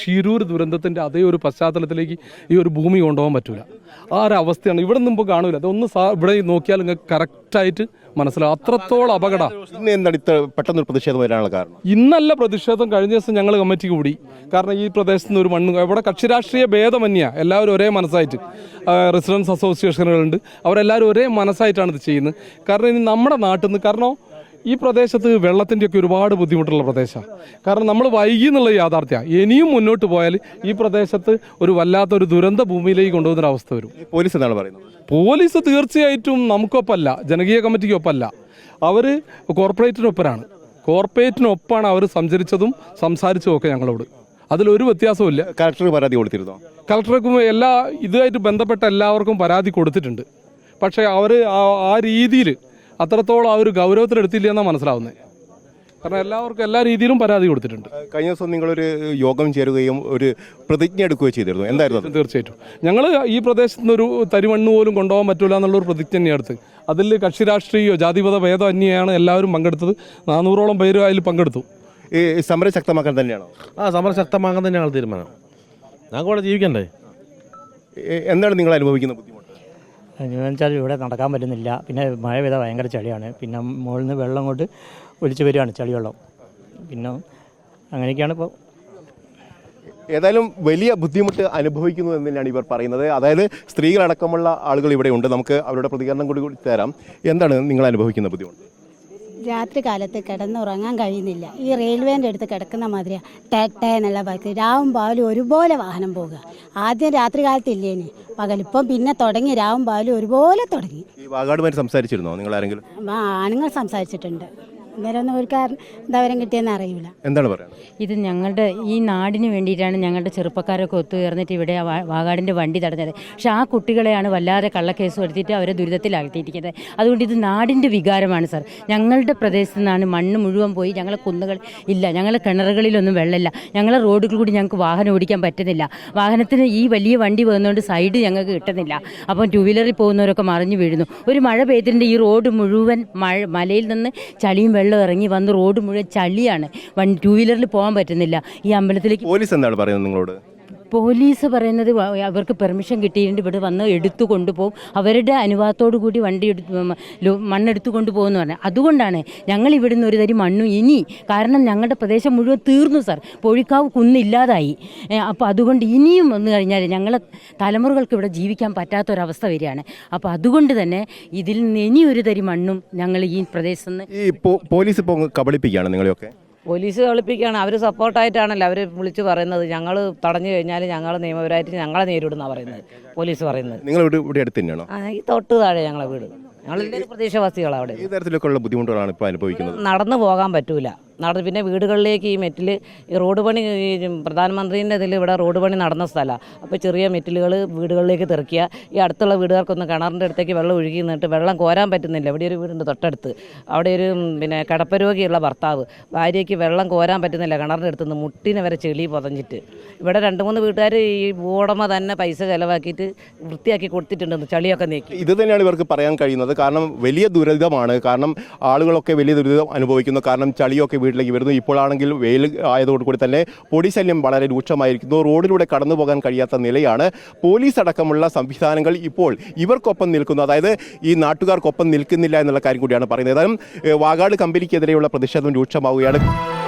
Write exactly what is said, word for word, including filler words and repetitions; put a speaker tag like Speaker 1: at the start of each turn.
Speaker 1: ഷിരൂർ ദുരന്തത്തിൻ്റെ അതേ ഒരു പശ്ചാത്തലത്തിലേക്ക് ഈ ഒരു ഭൂമി കൊണ്ടുപോകാൻ പറ്റില്ല. ആ ഒരു അവസ്ഥയാണ്. ഇവിടെ നിന്നും ഇപ്പോൾ കാണൂല. അതൊന്ന് സാ ഇവിടെ നോക്കിയാൽ നിങ്ങൾക്ക് കറക്റ്റായിട്ട് മനസ്സിലാവും. അത്രത്തോളം അപകടം.
Speaker 2: ഇന്ന് എന്താണ് ഇത്ര പെട്ടെന്നൊരു പ്രതിഷേധം വരാനുള്ള കാരണം?
Speaker 1: ഇന്നല്ല പ്രതിഷേധം, കഴിഞ്ഞ ദിവസം ഞങ്ങൾ കമ്മിറ്റി കൂടി. കാരണം ഈ പ്രദേശത്ത് നിന്ന് ഒരു മണ്ണ് ഇവിടെ കക്ഷി രാഷ്ട്രീയ ഭേദമന്യ എല്ലാവരും ഒരേ മനസ്സായിട്ട്, റെസിഡൻസ് അസോസിയേഷനുകളുണ്ട്, അവരെല്ലാവരും ഒരേ മനസ്സായിട്ടാണ് ഇത് ചെയ്യുന്നത്. കാരണം ഇനി നമ്മുടെ നാട്ടിൽ നിന്ന്, കാരണം ഈ പ്രദേശത്ത് വെള്ളത്തിൻ്റെയൊക്കെ ഒരുപാട് ബുദ്ധിമുട്ടുള്ള പ്രദേശമാണ്. കാരണം നമ്മൾ വൈകി എന്നുള്ള യാഥാർത്ഥ്യമാണ്. ഇനിയും മുന്നോട്ട് പോയാൽ ഈ പ്രദേശത്ത് ഒരു വല്ലാത്തൊരു ദുരന്ത ഭൂമിയിലേക്ക് കൊണ്ടുപോകുന്നൊരവസ്ഥ വരും.
Speaker 2: പോലീസ് എന്താണ് പറയുന്നത്?
Speaker 1: പോലീസ് തീർച്ചയായിട്ടും നമുക്കൊപ്പമല്ല, ജനകീയ കമ്മിറ്റിക്കൊപ്പമല്ല, അവർ കോർപ്പറേറ്റിനൊപ്പരാണ്. കോർപ്പറേറ്റിനൊപ്പമാണ് അവർ സഞ്ചരിച്ചതും സംസാരിച്ചതും ഒക്കെ ഞങ്ങളോട്. അതിലൊരു വ്യത്യാസവും ഇല്ല.
Speaker 2: കളക്ടർ പരാതി കൊടുത്തിരുന്നോ?
Speaker 1: കളക്ടർക്കും എല്ലാ ഇതുമായിട്ട് ബന്ധപ്പെട്ട എല്ലാവർക്കും പരാതി കൊടുത്തിട്ടുണ്ട്. പക്ഷേ അവർ ആ രീതിയിൽ അത്രത്തോളം ആ ഒരു ഗൗരവത്തിലെടുത്തില്ല എന്നാണ് മനസ്സിലാവുന്നത്. കാരണം എല്ലാവർക്കും എല്ലാ രീതിയിലും പരാതി കൊടുത്തിട്ടുണ്ട്.
Speaker 2: കഴിഞ്ഞ ദിവസം നിങ്ങളൊരു യോഗം ചേരുകയും ഒരു പ്രതിജ്ഞ എടുക്കുകയും ചെയ്തിരുന്നു, എന്തായിരുന്നു?
Speaker 1: തീർച്ചയായിട്ടും ഞങ്ങൾ ഈ പ്രദേശത്ത് നിന്ന് ഒരു തരിമണ്ണ് പോലും കൊണ്ടുപോകാൻ പറ്റില്ല എന്നുള്ളൊരു പ്രതിജ്ഞ തന്നെയെടുത്ത്. അതിൽ കക്ഷി രാഷ്ട്രീയോ ജാതിമത ഭേദം അന്യാണ് എല്ലാവരും പങ്കെടുത്തത്. നാനൂറോളം പേര് അതിൽ പങ്കെടുത്തു.
Speaker 2: ഈ സമരം ശക്തമാക്കാൻ തന്നെയാണോ?
Speaker 3: ആ സമരം ശക്തമാക്കാൻ തന്നെയാണ് തീരുമാനം. ഞങ്ങൾക്ക് ഇവിടെ ജീവിക്കണ്ടേ?
Speaker 2: എന്താണ് നിങ്ങൾ അനുഭവിക്കുന്ന ബുദ്ധിമുട്ട്?
Speaker 4: എന്ന് വെച്ചാൽ ഇവിടെ നടക്കാൻ പറ്റുന്നില്ല. പിന്നെ മഴ പെയ്താൽ ഭയങ്കര ചളിയാണ്. പിന്നെ മുകളിൽ നിന്ന് വെള്ളം കൊണ്ട് ഒലിച്ച് വരികയാണ്, ചളിവെള്ളം. പിന്നെ അങ്ങനെയൊക്കെയാണ് ഇപ്പോൾ.
Speaker 2: ഏതായാലും വലിയ ബുദ്ധിമുട്ട് അനുഭവിക്കുന്നു എന്ന് തന്നെയാണ് ഇവർ പറയുന്നത്. അതായത് സ്ത്രീകളടക്കമുള്ള ആളുകൾ ഇവിടെ ഉണ്ട്. നമുക്ക് അവരുടെ പ്രതികരണം കൂടി കൂടി തരാം. എന്താണ് നിങ്ങൾ അനുഭവിക്കുന്ന ബുദ്ധിമുട്ട്?
Speaker 5: രാത്രി കാലത്ത് കിടന്നുറങ്ങാൻ കഴിയുന്നില്ല. ഈ റെയിൽവേൻ്റെ അടുത്ത് കിടക്കുന്ന മാതിരിയാണ് ടാറ്റ എന്നുള്ള ബൈക്ക്. രാവും പകലും ഒരുപോലെ വാഹനം പോകുക. ആദ്യം രാത്രി കാലത്ത് ഇല്ലേന്, പകലിപ്പം പിന്നെ തുടങ്ങി, രാവും പകലും ഒരുപോലെ തുടങ്ങി.
Speaker 2: ഈ വാഗാടുമായിട്ട് സംസാരിച്ചിരുന്നോ നിങ്ങൾ ആരെങ്കിലും?
Speaker 5: ആണുങ്ങൾ സംസാരിച്ചിട്ടുണ്ട്. അന്നേരം ഒന്നും ഒരു കാരണം എന്താ വരം കിട്ടിയെന്ന് അറിയില്ല.
Speaker 2: എന്താണ് പറയുന്നത്?
Speaker 6: ഇത് ഞങ്ങളുടെ ഈ നാടിന് വേണ്ടിയിട്ടാണ് ഞങ്ങളുടെ ചെറുപ്പക്കാരൊക്കെ ഒത്തുചേർന്നിട്ട് ഇവിടെ വാഗാടിൻ്റെ വണ്ടി തടഞ്ഞത്. പക്ഷേ ആ കുട്ടികളെയാണ് വല്ലാതെ കള്ളക്കേസ് വരുത്തിയിട്ട് അവരെ ദുരിതത്തിലാക്കിയിരിക്കുന്നത്. അതുകൊണ്ട് ഇത് നാടിൻ്റെ വികാരമാണ് സാർ. ഞങ്ങളുടെ പ്രദേശത്തു നിന്നാണ് മണ്ണ് മുഴുവൻ പോയി. ഞങ്ങളെ കുന്നുകൾ ഇല്ല, ഞങ്ങളെ കിണറുകളിലൊന്നും വെള്ളമില്ല, ഞങ്ങളെ റോഡുകൾ കൂടി ഞങ്ങൾക്ക് വാഹനം ഓടിക്കാൻ പറ്റുന്നില്ല. വാഹനത്തിന് ഈ വലിയ വണ്ടി പോകുന്നതുകൊണ്ട് സൈഡ് ഞങ്ങൾക്ക് കിട്ടുന്നില്ല. അപ്പം ടു വീലറിൽ പോകുന്നവരൊക്കെ മറിഞ്ഞു വീഴുന്നു. ഒരു മഴ പെയ്തിട്ടുണ്ട്, ഈ റോഡ് മുഴുവൻ മഴ മലയിൽ നിന്ന് ചളിയും വെള്ളം ഇറങ്ങി വന്ന് റോഡ് മുഴുവൻ ചളിയാണ്. വണ്ടി ടൂ വീലറിൽ പോകാൻ പറ്റുന്നില്ല. ഈ അമ്പലത്തിലേക്ക്
Speaker 2: പോലീസ് എന്താണ് പറയുന്നത് നിങ്ങളോട്?
Speaker 6: പോലീസ് പറയുന്നത് അവർക്ക് പെർമിഷൻ കിട്ടിയിട്ടുണ്ട്, ഇവിടെ വന്ന് എടുത്തു കൊണ്ടുപോകും, അവരുടെ അനുവാദത്തോടു കൂടി വണ്ടി എടുത്ത് മണ്ണെടുത്തു കൊണ്ടുപോകുമെന്ന് പറഞ്ഞാൽ. അതുകൊണ്ടാണ് ഞങ്ങൾ ഇവിടുന്ന് ഒരു തരി മണ്ണും ഇനി, കാരണം ഞങ്ങളുടെ പ്രദേശം മുഴുവൻ തീർന്നു സാർ, പൊഴിക്കാവ് കുന്നില്ലാതായി. അപ്പോൾ അതുകൊണ്ട് ഇനിയും വന്നു കഴിഞ്ഞാൽ ഞങ്ങളെ തലമുറകൾക്ക് ഇവിടെ ജീവിക്കാൻ പറ്റാത്തൊരവസ്ഥ വരികയാണ്. അപ്പോൾ അതുകൊണ്ട് തന്നെ ഇതിൽ നിന്ന് ഇനി ഒരു തരി മണ്ണും ഞങ്ങൾ ഈ പ്രദേശത്ത് നിന്ന്.
Speaker 2: ഈ പോലീസ് ഇപ്പോൾ കബളിപ്പിക്കുകയാണ് നിങ്ങളെയൊക്കെ?
Speaker 7: പോലീസ് കളിപ്പിക്കുകയാണ്. അവർ സപ്പോർട്ടായിട്ടാണല്ലോ അവർ വിളിച്ച് പറയുന്നത്. ഞങ്ങൾ തടഞ്ഞു കഴിഞ്ഞാൽ ഞങ്ങൾ നിയമപരമായിട്ട് ഞങ്ങളെ നേരിടുന്നതാണ് പറയുന്നത്, പോലീസ് പറയുന്നത്.
Speaker 2: നിങ്ങൾ ഇവിടെ ഇവിടെ അടുത്ത് തന്നെയാണോ?
Speaker 7: ആ, ഈ തൊട്ട് താഴെ ഞങ്ങളെ വീട്. ഞങ്ങളെല്ലാവരും പ്രദേശവാസികളാണ്. അവിടെ
Speaker 2: ഈ തരത്തിലൊക്കെയുള്ള ബുദ്ധിമുട്ടുകളാണ് ഇപ്പോൾ അനുഭവിക്കുന്നത്.
Speaker 7: നടന്നു പോകാൻ പറ്റൂല. നടന്ന് പിന്നെ വീടുകളിലേക്ക് ഈ മെറ്റിൽ ഈ റോഡ് പണി, ഈ പ്രധാനമന്ത്രീൻ്റെ ഇതിൽ ഇവിടെ റോഡ് പണി നടന്ന സ്ഥലമാണ്. അപ്പോൾ ചെറിയ മെറ്റിലുകൾ വീടുകളിലേക്ക് തെറിക്കുക. ഈ അടുത്തുള്ള വീടുകാർക്കൊന്ന് കിണറിൻ്റെ അടുത്തേക്ക് വെള്ളം ഒഴുകി നിന്നിട്ട് വെള്ളം കോരാൻ പറ്റുന്നില്ല. ഇവിടെ ഒരു വീടുണ്ട് തൊട്ടടുത്ത്, അവിടെ ഒരു പിന്നെ കിടപ്പരോഗിയുള്ള ഭർത്താവ്, ഭാര്യയ്ക്ക് വെള്ളം കോരാൻ പറ്റുന്നില്ല കിണറിൻ്റെ അടുത്ത് നിന്ന്, മുട്ടിനെ വരെ ചെളി പൊതഞ്ഞിട്ട്. ഇവിടെ രണ്ട് മൂന്ന് വീട്ടുകാർ ഈ ഭൂവുടമ തന്നെ പൈസ ചിലവാക്കിയിട്ട് വൃത്തിയാക്കി കൊടുത്തിട്ടുണ്ടെന്ന്, ചളിയൊക്കെ നീക്കി.
Speaker 2: ഇത് തന്നെയാണ് ഇവർക്ക് പറയാൻ കഴിയുന്നത്. കാരണം വലിയ ദുരിതമാണ്. കാരണം ആളുകളൊക്കെ വലിയ ദുരിതം അനുഭവിക്കുന്നു. കാരണം ചളിയൊക്കെ വീട്ടിലേക്ക് വരുന്നു. ഇപ്പോഴാണെങ്കിൽ വെയിൽ ആയതോടുകൂടി തന്നെ പൊടി ശല്യം വളരെ രൂക്ഷമായിരിക്കുന്നു. റോഡിലൂടെ കടന്നു പോകാൻ കഴിയാത്ത നിലയാണ്. പോലീസ് അടക്കമുള്ള സംവിധാനങ്ങൾ ഇപ്പോൾ ഇവർക്കൊപ്പം നിൽക്കുന്നു. അതായത് ഈ നാട്ടുകാർക്കൊപ്പം നിൽക്കുന്നില്ല എന്നുള്ള കാര്യം കൂടിയാണ് പറയുന്നത്. ഏതായാലും വാഗാട് കമ്പനിക്കെതിരെയുള്ള പ്രതിഷേധം രൂക്ഷമാവുകയാണ്.